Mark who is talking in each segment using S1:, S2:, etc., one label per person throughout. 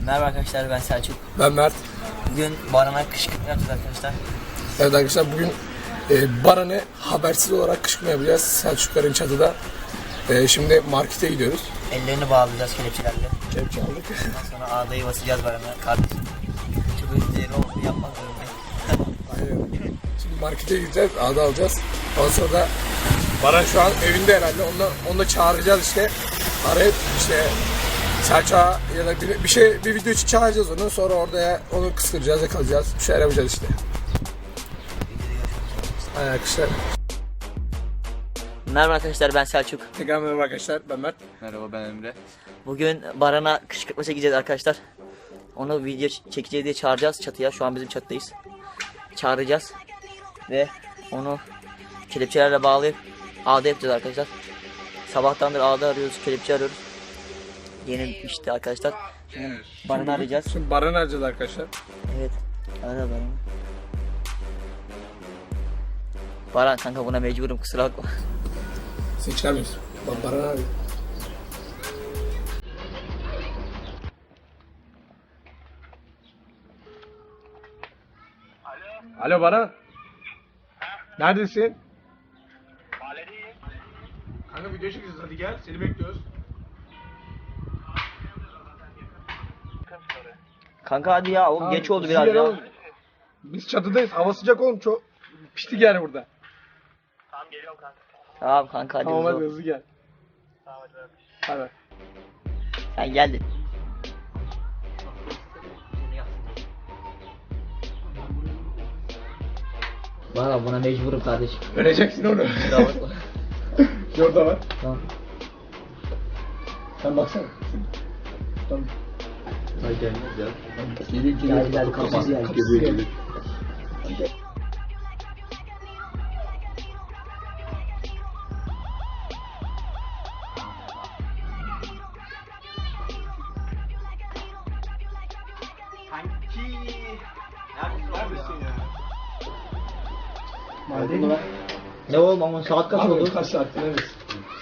S1: Merhaba arkadaşlar, ben Selçuk.
S2: Ben Mert.
S1: Bugün Baran'a kışkırtma yapacağız arkadaşlar.
S2: Evet arkadaşlar, bugün Baran'ı habersiz olarak kışkırtma yapacağız Selçukların çatıda. Şimdi markete gidiyoruz.
S1: Ellerini bağlayacağız kelepçelerle.
S2: Kelepçe aldık.
S1: Ondan sonra ağdayı basacağız Baran'a. Kardeşim, çok değerli olduğunu yapmak zorundayım.
S2: Aynen. Şimdi markete gideceğiz, ağda alacağız. Ondan sonra da Baran şu an evinde herhalde. Onu da çağıracağız işte. Arayıp işte Selçuk'a ya da bir video için çağıracağız onu. Sonra orada ya onu kıskıracağız, yakalayacağız. Bir şeyler yapacağız işte. Aynen arkadaşlar.
S1: Merhaba arkadaşlar, ben Selçuk.
S2: Tekrar merhaba arkadaşlar, ben Mert.
S3: Merhaba, ben Emre.
S1: Bugün Baran'a kışkırtma çekeceğiz arkadaşlar. Onu video çekeceğiz diye çağıracağız çatıya. Şu an bizim çatıdayız. Çağıracağız. Ve onu kelepçelerle bağlayıp ağda yapacağız arkadaşlar. Sabahtandır ağda arıyoruz, kelepçe arıyoruz. Yeni işte arkadaşlar. Şimdi Baran'ı arayacağız.
S2: Şimdi Baran'ı arayacağız arkadaşlar.
S1: Evet. Ara Baran. Baran kanka, buna mecburum, kusura bakma.
S2: Seni çıkarmıyorsun. Bak Baran'ı arıyor. Alo Baran. Neredesin?
S4: Mahalledeyim.
S2: Kanka video çekeceğiz, hadi gel, seni bekliyoruz.
S1: Kanka hadi ya, oğlum geç oldu biraz ya.
S2: Biz çatıdayız, hava sıcak oğlum, çok piştik yani burada.
S4: Tamam, geliyorum kanka.
S1: Tamam kanka, hadi
S2: Tamam
S1: hızlı
S2: hadi
S1: ol.
S2: hızlı gel.
S4: Tamam, hadi bak.
S2: Hadi.
S1: Sen geldin. Valla buna mecburum kardeşim.
S2: Vereceksin onu.
S1: Kusura bakma.
S2: Şurada var.
S1: Tamam.
S2: Sen baksana. Tamam.
S3: Ay gelmez ya.
S1: Gel kapısız gel.
S3: Geliyor.
S2: Neredesin ya?
S1: Ne oğlum, ama saat kaç oldu?
S2: Kaç saatte neredesin?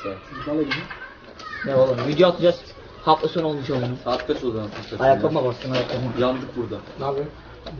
S1: Ne oğlum, video atacağız. Hafta sonu olmuş oğlum.
S3: Saat kaç oldu arkadaşlar?
S1: Ayakkabıma bastım, ayakkabıma.
S3: Yandık burada.
S2: Ne yapıyorsun?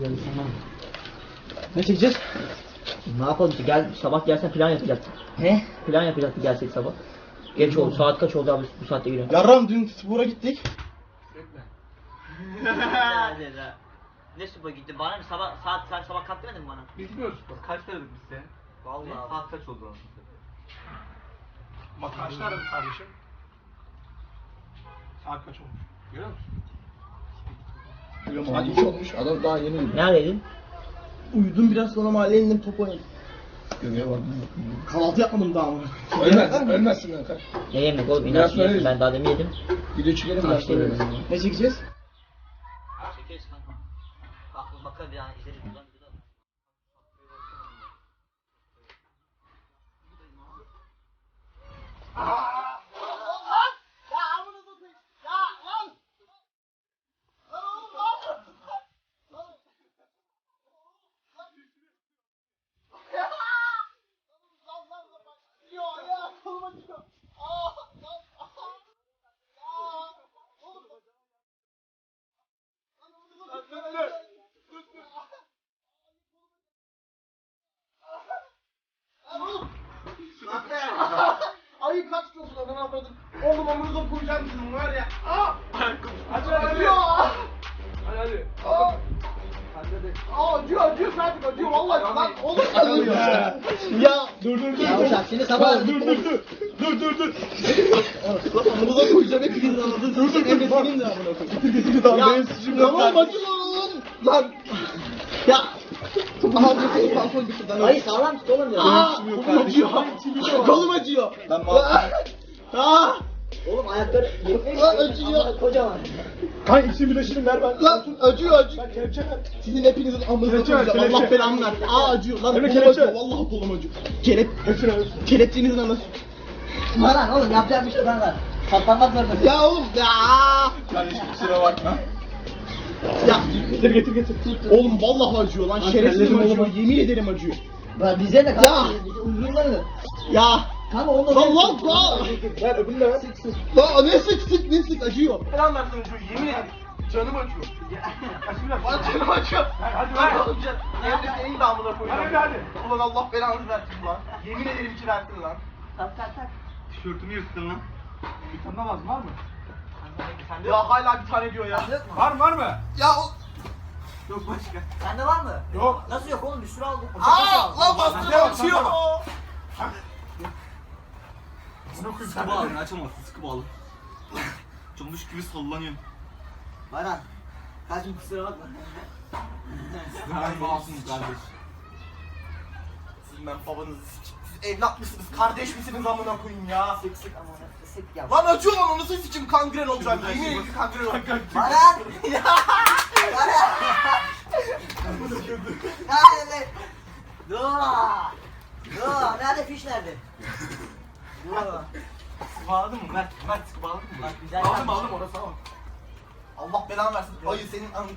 S1: Ne çekeceğiz? Ne yapalım ki, gel sabah gelsen plan yapacaktık. He? Plan yapacaktık gelsek sabah. Geç oldu, saat kaç oldu abi, bu saatte giriyorum.
S5: Yarram dün spora gittik.
S1: Ne spora gitti? Bana sabah sen sabah kalk demedin mi bana?
S2: Bilmiyoruz.
S3: Kaç aradık biz seni?
S1: Vallahi.
S3: Saat kaç oldu anasını?
S2: Bak kaçta aradı kardeşim? Saat kaç olmuş? Görüyor musun? Saat 2 olmuş. Adam daha yeni uyudu.
S1: Neredeydin?
S5: Uyudum biraz, sonra mahalleye indim, top oynadım.
S2: Göbeğe bak.
S5: Kahvaltı yapmadım daha ama.
S2: Ölmezsin lan kaç.
S1: Ne yemek oğlum?
S2: Biraz
S1: İnançlı
S2: sonra
S1: yedim. Ben daha demin yedim.
S2: Video çekelim biraz
S1: Kaçta
S2: sonra.
S1: yedim?
S5: Ne çekeceğiz?
S1: Çekeriz kanka. Kalkıp bakalım bir an izleriz.
S5: Ayı kaç kilosun adamı avradın? Oğlum omuruza koyacağım sizin var ya.
S2: Hadi
S5: Acıyor.
S2: Hadi.
S5: Acıyor Selçuk, acıyor vallahi lan. Oğlum acıyor. Ya dur.
S1: Ya şimdi sabah
S5: Dur. Omuruza koyacağım, hepinizin anladın. Dur. Emresinin de amına koyayım. Ya tamam acıyor lan. Ya. Aha dur, balkon bitti lan.
S1: Hayır, sağlam tut oğlum ya.
S5: Kolum acıyor. Kolum acıyor. Ben
S1: Oğlum ayakları
S5: acıyor.
S1: kocaman.
S2: Kanka ikisini birleştirin ver ben.
S5: Lan acıyor.
S2: Kelepçe ver.
S5: Sizin hepinizin amınıza
S2: Kelepçe ver,
S5: koyacağım. Allah
S2: kelepçe.
S5: belamı versin. Acıyor lan.
S2: Emre,
S5: Kolum
S2: kelepçe.
S5: acıyor. Vallahi kolum acıyor.
S2: Hepsini ver.
S5: Kelepçenizin anası.
S1: Baran oğlum, yapacak bir şey var. Katlanmak zorundasın.
S5: Ya oğlum ya.
S2: Kardeşim kusura bakma.
S5: Ya.
S2: Getir.
S5: Oğlum vallahi acıyor lan. Şerefsizim
S2: ellerim
S5: acıyor.
S2: acıyor.
S5: Yemin ederim acıyor.
S1: Ben bize de
S5: Ya.
S1: kanka. Uzunları.
S5: Ya.
S1: Kanka onu
S2: Ver öbürünü de ver.
S5: Lan ne sık acıyor. Falan versin acıyor. Yemin ederim. Canım acıyor. Bana canım acıyor. Hadi ver. Emre senin de amına koyacağım. Hadi. Ulan Allah belanı versin lan. Yemin ederim ki versin lan.
S1: Tak.
S3: Tişörtümü yırttın lan.
S2: Tanımaz var mı?
S5: Ya hala bir tane diyor ya.
S2: Var mı?
S5: Ya o...
S3: Yok başka.
S1: Sende var mı?
S2: Yok.
S1: Nasıl yok oğlum? Bir sürü aldım.
S5: Lan bastırma açıyor.
S3: Sıkı bağlı açamazsın sıkı bağlı. Çamış gibi sallanıyorum.
S1: Baran. Kaçın kusura bakma.
S3: Ben masum kardeş.
S5: Sizin ben babanızı sikeyim. Siz evlat mısınız? Kardeş misiniz amına koyayım ya?
S1: Sık ama sık ya.
S5: Lan acıyor lan onu nasıl sikeyim kangren olacak. Yemin ederim ki kangren olacak.
S1: Baran. Baran. Nerede? Dur. Dur. Nerede fiş nerede? Dur.
S3: Sıkı bağladın mı Mert? Mert sıkı bağladın mı?
S1: Bak güzel.
S5: Aldım orası ama. Allah belanı versin. Ayı senin an...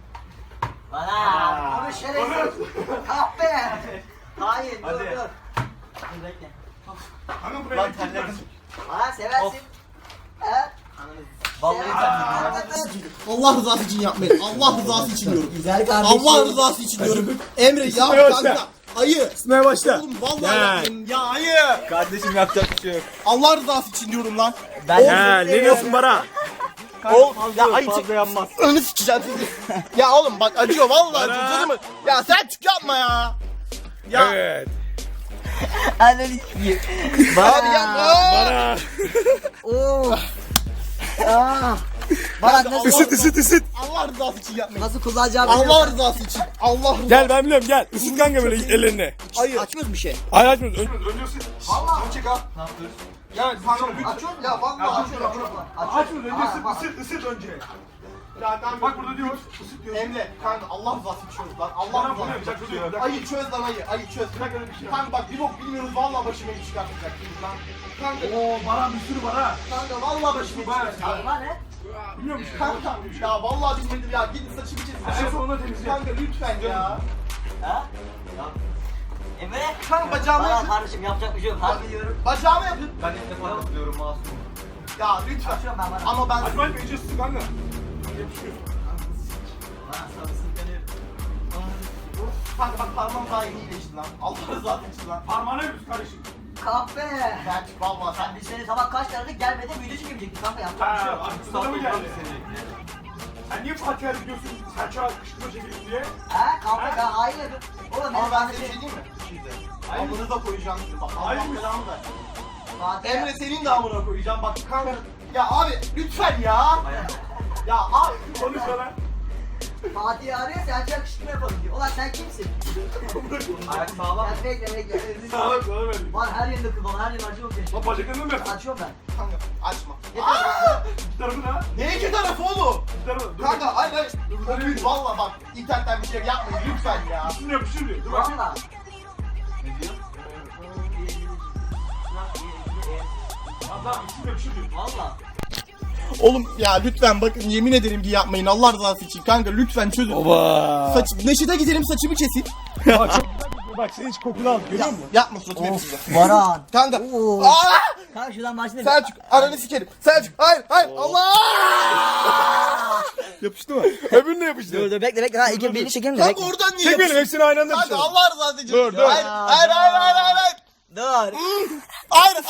S1: Baran. Bunu şerefsiz. Kahpe. Hayır dur
S3: Hadi.
S1: dur. Dur bekle.
S2: Hanım buraya
S5: Lan terlerim.
S1: Baran seversin. He?
S3: Vallahi
S5: Allah rızası için yapmayın. Allah rızası için diyorum.
S1: Güzel kardeşim.
S5: Allah rızası için diyorum. Emre ya kanka. Ayı.
S2: Sıkmaya başla.
S5: Oğlum vallahi yapmayın. Ya ayı.
S2: Kardeşim yapacak bir şey yok.
S5: Allah rızası için diyorum lan.
S2: Ne diyorsun bana?
S5: Oğlum ya ayı
S2: Fazla yanmaz.
S5: önünü sikeceğim sizi. Ya oğlum bak acıyor vallahi acıyor canım. Ya sen çık yapma ya. Ya.
S2: Evet.
S1: Ananı sikeyim.
S5: Abi yapma.
S2: Bana.
S1: Oo. Aa. Baran nasıl?
S2: Isıt.
S5: Allah rızası için yapmayın.
S1: Nasıl kullanacağımı
S5: Allah rızası için. Allah rızası.
S2: Gel ben biliyorum gel. Isıt kanka böyle ellerini.
S5: Ayı.
S1: Açmıyoruz bir şey.
S2: Ay açmıyoruz.
S5: Vallahi çek ha.
S3: ne yapıyoruz?
S5: Ya kanka açıyorum ya vallahi açıyorum.
S2: Açmıyoruz önce ısıt önce.
S5: Ya kanka
S2: Bak burada diyor. Isıt diyor.
S5: Emre kanka Allah rızası için çöz lan. Allah
S2: Bana bunu
S5: rızası
S2: yapacak bir
S5: için
S2: şey yok.
S5: çöz. Ayı çöz lan ayı çöz.
S2: Bırak öyle bir şey.
S5: Kanka bak bir bok bilmiyoruz vallahi başıma iş çıkartacaksınız lan. Kanka
S2: Oo bana bir sürü bana.
S5: kanka vallahi başıma iş çıkartacaksınız.
S1: Baran ne?
S2: Biliyor musun?
S5: Kanka ya vallahi bilmedim ya gidin saçımı kesin.
S2: En sonunda temizle.
S5: Kanka lütfen ya.
S1: Ha? Emre.
S5: Kanka bacağımı
S1: Baran
S5: yapın.
S1: kardeşim yapacak bir şey yok. Harbi diyorum.
S5: Bacağımı yapın.
S3: Ben ilk defa katılıyorum masum.
S5: Ya lütfen.
S1: Açıyorum ben Baran.
S5: Ama ben
S2: Açmayın iyice ısıt kanka. Yapışıyor.
S1: Baran sana sıkıntı.
S5: kanka bak parmağım daha yeni iyileşti lan. Allah rızası için lan.
S2: Parmağına yapıyorsun kardeşim.
S1: Kahpe.
S5: Ben çık vallahi sen.
S1: Biz seni sabah kaç tane gelmeden video çekemeyecektik kanka yapacak bir şey yok.
S2: Artık sana mı geldi? Sen niye Fatih'e gidiyorsun? Selçuk'a kışkırtma çekelim diye.
S1: Ha kanka ben hayır. Oğlum
S5: Ama
S1: ben
S5: ben
S1: sana
S5: size bir
S1: şey
S5: şey diyeyim mi? Şimdi. Amınıza koyacağım sizi bak. Allah
S2: Hayır.
S5: belanı ver.
S1: Fatih.
S5: Emre senin de amına koyacağım bak kanka. Ya abi lütfen ya. Ya abi.
S2: Konuş bana.
S1: Fatih arıyor sen yakışıklı yapalım diyor. Ulan sen kimsin?
S3: Ayak sağlam.
S1: Ya bekle.
S2: Sağlık sana verdim.
S1: Var her yerinde kıl var her yerim acıyor ki.
S2: Lan bacaklarını mı yaptın?
S1: Açıyorum ben.
S5: Kanka açma.
S2: İki tarafı ne?
S5: Ne iki tarafı oğlum?
S2: İki tarafı. Dur.
S5: Kanka hayır. Valla bak internetten bir şey yapmayın lütfen ya.
S2: Üstüne yapışır diyor. Dur bak.
S1: Valla.
S3: Ne diyor?
S2: Tamam üstüne yapışır diyor.
S1: Valla.
S5: Oğlum ya lütfen bakın yemin ederim ki yapmayın Allah rızası için kanka lütfen çözün.
S2: Oba.
S5: Saç, Neşet'e gidelim saçımı kesin.
S2: Bak sen hiç kokunu al görüyor musun?
S5: Yapma suratımı yapacağım.
S1: Baran.
S5: Kanka.
S1: Oo.
S5: Aa!
S1: Kanka şuradan başlayalım.
S5: Selçuk ananı sikerim. Selçuk hayır Allah.
S2: Yapıştı mı? Öbürüne yapıştı.
S1: Dur bekle. Ha ilk beni çekelim de
S5: Kanka
S1: bekle.
S5: oradan niye
S2: Çek benim
S5: yapıyorsun?
S2: hepsini aynı anda
S5: Kanka
S2: yapıştır.
S5: Allah rızası için.
S2: Dur, dur.
S5: Hayır.
S1: Dur.
S5: Hayır.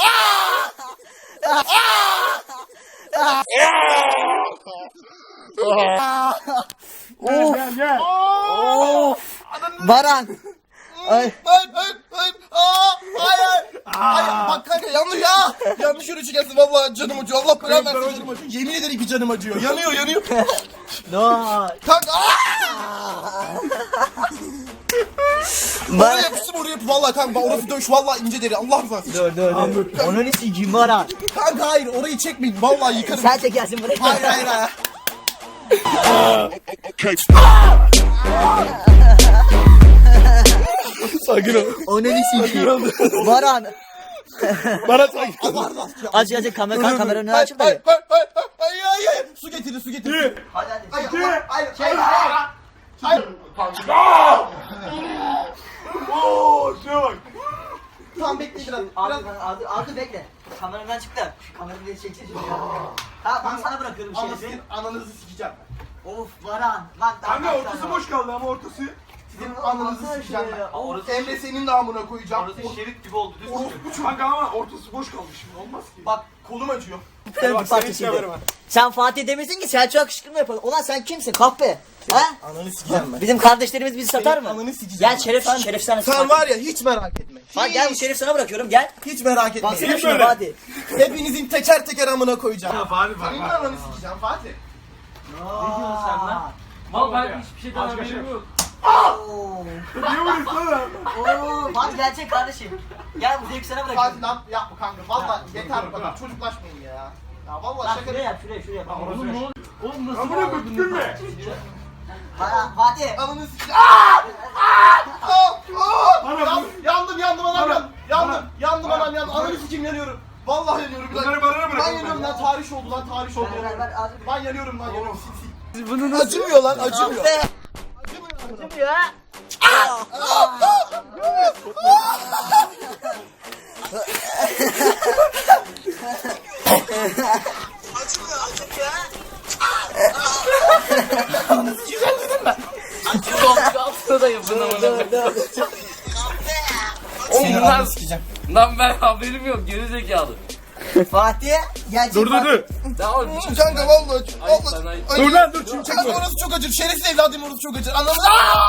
S2: Gel gel.
S1: Baran. Ay.
S5: Hayır. Hayır. Bak kanka yanlış ya. Yanlış yürü çıkarsın vallahi canım acıyor. Allah belanı versin canım acıyor. Yemin ederim ki canım acıyor. Yanıyor.
S1: Dur.
S5: Kanka oraya
S1: Baran.
S5: yapıştım oraya yap. Vallahi kanka orası dövüş vallahi ince deri. Allah rızası için.
S1: Dur. Onu ne sikiyim Baran.
S5: Kanka hayır orayı çekmeyin. Vallahi yıkarım.
S1: Sen çekersin burayı.
S5: Hayır.
S2: Sakin ol.
S1: Onu ne sikiyim. Baran.
S2: Bana sakin.
S5: Allah rızası için.
S1: Aç kameranın önüne açıp da.
S5: Hayır. Su getir.
S1: Hadi.
S5: Hayır.
S2: Oo şuna bak.
S5: Tamam bekle biraz.
S1: Arka bekle. Kameramdan çıktı. Şu kamerayı bir çeksin şimdi ya. Ha ben sana bırakıyorum
S5: Ama
S1: şerifi.
S5: sizin ananızı sikeceğim.
S1: Of Baran. Lan
S2: Kanka ortası boş kaldı ama ortası.
S5: Sizin ananızı sikeceğim ben.
S3: Orası-
S5: Emre senin de amına koyacağım.
S3: Orası şerit gibi oldu. Düz tutuyor.
S2: Orospu kanka ama ortası boş kaldı şimdi olmaz ki.
S5: Bak kolum acıyor.
S1: Bir
S2: Bak
S1: parçasıydı. Sen Fatih demesin ki Selçuk'a kışkırtma yapalım. Ulan sen kimsin kahpe? Ha?
S5: Ananı sikeceğim ben.
S1: Bizim kardeşlerimiz bizi satar mı?
S5: Ananı sikeceğim.
S1: Gel Şeref sana.
S5: Sen var ya hiç merak etme.
S1: Bak gel bu Şerif sana bırakıyorum gel.
S5: Hiç merak etme.
S1: Baksana şuna Fatih.
S5: Hepinizin teker teker amına koyacağım.
S2: Ya Fatih bak
S5: Senin de
S2: bak.
S5: ananı sikeceğim Fatih.
S1: Ne diyorsun sen lan?
S3: Mal ben hiçbir şeyden haberim yok.
S2: Niye vuruyorsun lan?
S1: Oo, Fatih gerçek kardeşim. Gel bu zevki sana bırakıyorum.
S5: Fatih lan yapma kanka. Valla yeter bu kadar. Çocuklaşmayın ya. Ya valla
S1: Lan
S5: şaka.
S1: şuraya yap şuraya.
S3: Oğlum ne oluyor? Oğlum nasıl
S2: Amına koyayım tükürme.
S1: Fatih.
S5: Ananı sikeceğim. Yandım anam yandım anam yandım. Ananı sikeyim yanıyorum. Vallahi yanıyorum.
S2: Bunları barına bırak.
S5: Ben yanıyorum lan tarih oldu lan tarih oldu.
S1: Ver, az-
S5: Ben yanıyorum lan yanıyorum. Bunun acımıyor lan acımıyor.
S1: Be. Acımıyor ha.
S5: Seni ananı sikeceğim.
S3: Lan ben haberim yok gerizekalı.
S1: Fatih gerçek
S2: Dur.
S3: Ya oğlum
S5: Kanka vallahi
S3: Ayıp lan, ayıp.
S2: Dur lan dur şimdi
S5: Kanka
S2: çekme.
S5: orası çok acır. Şerefsiz evladım orası çok acır. Anladın mı?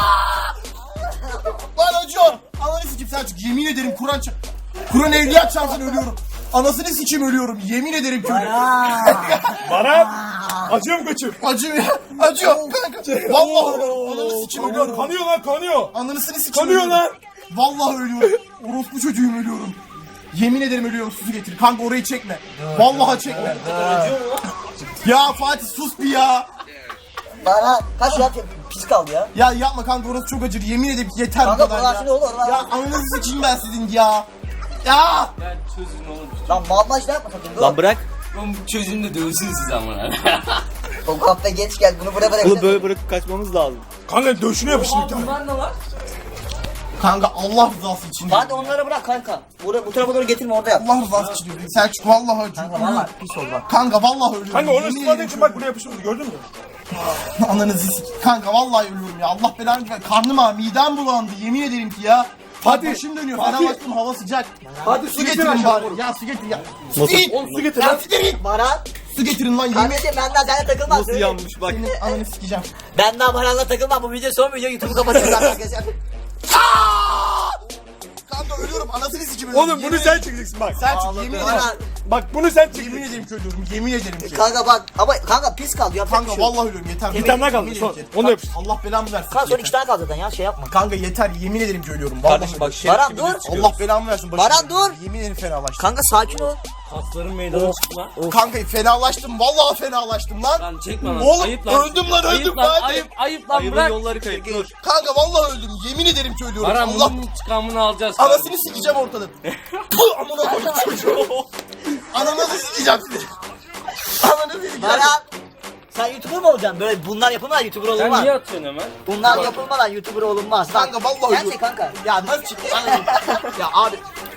S5: Lan acıyor. Ananı sikeyim Selçuk. Yemin ederim Kur'an evliya çarpsın ölüyorum. Anasını sikeyim ölüyorum. Yemin ederim ki ölüyorum.
S2: Bana acıyor mu kaçım?
S5: Acıyor. Acıyor kanka. Vallahi ananı sikeyim ölüyorum.
S2: Kanıyor lan kanıyor.
S5: Ananısını sikeyim
S2: Kanıyor
S5: ölüyorum.
S2: lan.
S5: Vallahi ölüyorum. Orospu çocuğum ölüyorum. Yemin ederim ölüyorum susu getir. Kanka orayı çekme. Vallahi çekme. Ya Fatih sus bir ya.
S1: Bana kaç saat pis kaldı ya.
S5: Ya yapma kanka orası çok acır. Yemin ederim yeter bu
S1: Kanka
S5: kadar
S1: bunlar
S5: ya.
S1: şimdi olur lan.
S5: Ya ananızı sikeyim ben sizin ya. Ya.
S3: Ya çözün oğlum.
S1: Lan malmaç ne yapma sakın. Dur.
S6: Lan bırak.
S3: Oğlum çözün de dövsün siz amına.
S1: O kahve geç gel bunu buraya bırak.
S6: Bunu böyle bırakıp kaçmamız lazım.
S2: Kanka döşüne yapıştı bir tane.
S3: Bunlar ne var?
S5: Kanka Allah rızası için.
S1: Hadi onları bırak kanka. Bu tarafa doğru getirme orada yap.
S5: Allah rızası için diyorum. Selçuk vallahi acıyor.
S1: Kanka valla pis oldu bak.
S5: Kanka vallahi ölüyorum.
S2: Kanka onu
S5: Yemin
S2: ısıtmadığın
S5: ederim
S2: için bak buraya yapıştırdı gördün mü?
S5: Ananızı sik. Kanka vallahi ölüyorum ya. Allah belanı versin. Karnım ağrı, midem bulandı. Yemin ederim ki ya.
S2: Fatih,
S5: Başım dönüyor.
S2: Fatih.
S5: Fenerbahçe'nin hava sıcak.
S2: Hadi
S5: Su getirin bari. Ya su getir ya.
S6: Nasıl?
S2: Oğlum su getir lan.
S1: Baran.
S5: Su getirin lan yemin.
S1: Kardeşim benden seninle takılmaz.
S6: Nasıl yanmış bak.
S5: Senin ananı sikeceğim.
S1: Ben daha Baran'la takılmam. Bu video son video. YouTube'u kapatacağız arkadaşlar.
S5: Kanka ölüyorum. Anasını sikeyim ölüyorum.
S2: Oğlum bunu sen çekeceksin bak.
S5: Selçuk yemin ederim.
S1: Baran.
S2: Bak bunu sen
S5: Yemin
S2: çekeceksin.
S5: ederim ki ölüyorum. Yemin ederim ki.
S1: Kanka bak ama kanka pis kaldı. Yapacak bir
S5: Kanka
S1: şey yok.
S5: vallahi ölüyorum yeter.
S2: Bir tane daha kaldı,
S5: Yemin
S2: son.
S5: ederim ki.
S2: Onu da yapıştır.
S5: Allah belamı versin.
S1: Kanka son
S5: Yeter.
S1: 2 tane kaldı zaten ya şey yapma.
S5: Kanka yeter yemin ederim ki ölüyorum. Vallahi
S6: Kardeşim bak
S5: ölüyorum.
S6: şerif
S1: Baran,
S6: gibi
S1: dur.
S6: düz çıkıyoruz.
S5: Allah belamı versin.
S1: Baran, dur.
S5: Yemin ederim fenalaştım.
S1: Kanka sakin ol.
S3: Kasların meydana çıktı lan.
S5: Kanka fenalaştım. Vallahi fenalaştım lan.
S3: Lan çekme lan.
S5: Oğlum
S3: Ayıp lan.
S5: öldüm lan
S3: Ayıp
S5: öldüm
S3: lan.
S5: lan.
S3: Ayıp lan
S6: Ayıbın
S3: bırak.
S6: yolları kayıp dur.
S5: Kanka vallahi öldüm. Yemin ederim ki ölüyorum.
S3: Baran
S5: Allah
S3: bunun intikamını alacağız.
S5: anasını sikeceğim ortadan. Puh amına koyayım çocuğu. Ananızı sikeceğim sizi. Ananı sikeceğim.
S1: Baran. Sen YouTuber mı olacaksın? Böyle bunlar yapılmadan YouTuber
S3: Sen
S1: olunmaz.
S3: niye atıyorsun hemen?
S1: Bunlar yapılmadan YouTuber olunmaz. Bak,
S5: Kanka vallahi
S1: gerçek
S5: ölüyorum.
S1: kanka.
S5: Ya nasıl çıktı? Ananı. Ya abi.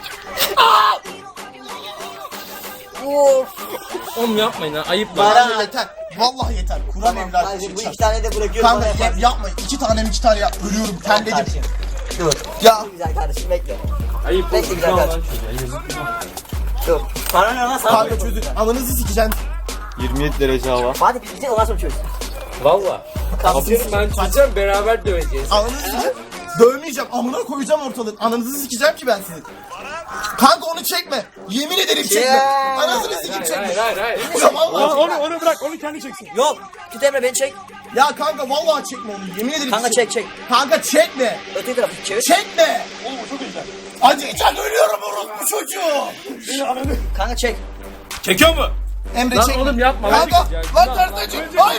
S1: Of.
S3: Oğlum yapmayın ha. Ayıp lan.
S1: Baran.
S5: Vallahi yeter. Vallahi yeter. Kur'an
S1: Tamam
S5: evladı.
S1: kardeşim bu 2 tane de bırakıyorum.
S5: Kanka
S1: bana yapar.
S5: yapma. 2 tane yap. Ölüyorum. Terledim.
S1: Kardeşim. Dur.
S5: Ya.
S1: Dur güzel kardeşim bekle.
S3: Ayıp
S1: Bekle
S3: olsun.
S1: güzel
S3: Tamam lan
S1: kardeşim.
S3: çocuğa. Yazık.
S1: Dur. Bana ne lan sana?
S5: Kanka çözün. Ananızı sikeceğim.
S6: 27 derece hava.
S1: Hadi biz bitir ondan sonra çöz.
S3: Valla.
S1: Kapatıyoruz.
S3: Ben çözeceğim beraber döveceğiz.
S5: Ananızı sikeceğim. Dövmeyeceğim. Amına koyacağım ortalığı. Ananızı sikeceğim ki ben sizi. Kanka onu çekme. Yemin ederim çekme.
S1: Ya.
S5: Anasını sikeyim çekme.
S3: Hayır.
S5: Vallahi çekme.
S2: Onu bırak onu kendi çeksin.
S1: Yok. Tut Emre beni çek.
S5: Ya kanka vallahi çekme onu. Yemin ederim
S1: Kanka
S5: çekme.
S1: çek.
S5: Kanka çekme.
S1: Öteki tarafı çevir.
S5: Çekme. Oğlum çok güzel. Acıyacak ölüyorum orospu çocuğu.
S1: Kanka çek.
S2: Çekiyor mu?
S5: Emre
S3: Lan
S5: çekme.
S3: oğlum yapma.
S5: Kanka
S3: Ya,
S5: lan
S3: günah,
S5: ters acı. Hayır.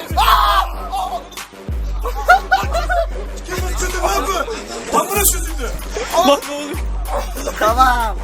S2: Çözüldü lan bu. Tam burası çözüldü.
S1: Tamam.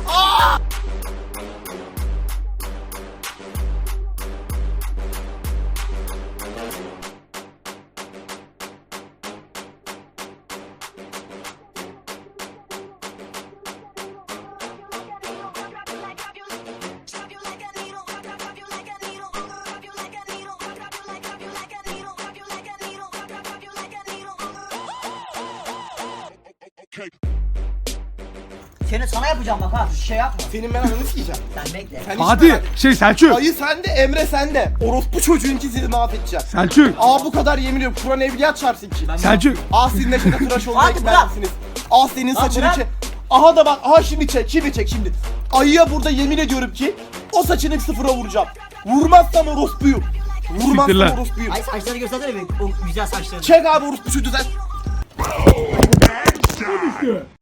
S1: Seni sana yapacağım bak ha. Şey yapma.
S5: Senin ben ananı sikeceğim.
S1: Sen bekle.
S5: Sen
S2: Fatih, Selçuk.
S5: Ayı sende, Emre sende. Orospu çocuğunki sizi mahvedeceğim.
S2: Selçuk.
S5: Bu kadar yemin ediyorum. Kur'an evliya çarpsın ki.
S2: Selçuk.
S5: Sizin neşede tıraş olmaya
S1: Hadi bırak.
S5: gitmezsiniz. Senin saçını
S1: bırak.
S5: çek. Aha da bak, şimdi çek, şimdi. Ayıya burada yemin ediyorum ki o saçını sıfıra vuracağım. Vurmazsam orospuyu.
S2: Siktir
S5: Vurmazsam
S2: lan.
S5: orospuyu.
S1: Ay saçları göstersene bir. O güzel saçlarını.
S5: Çek abi orospu çocuğu sen.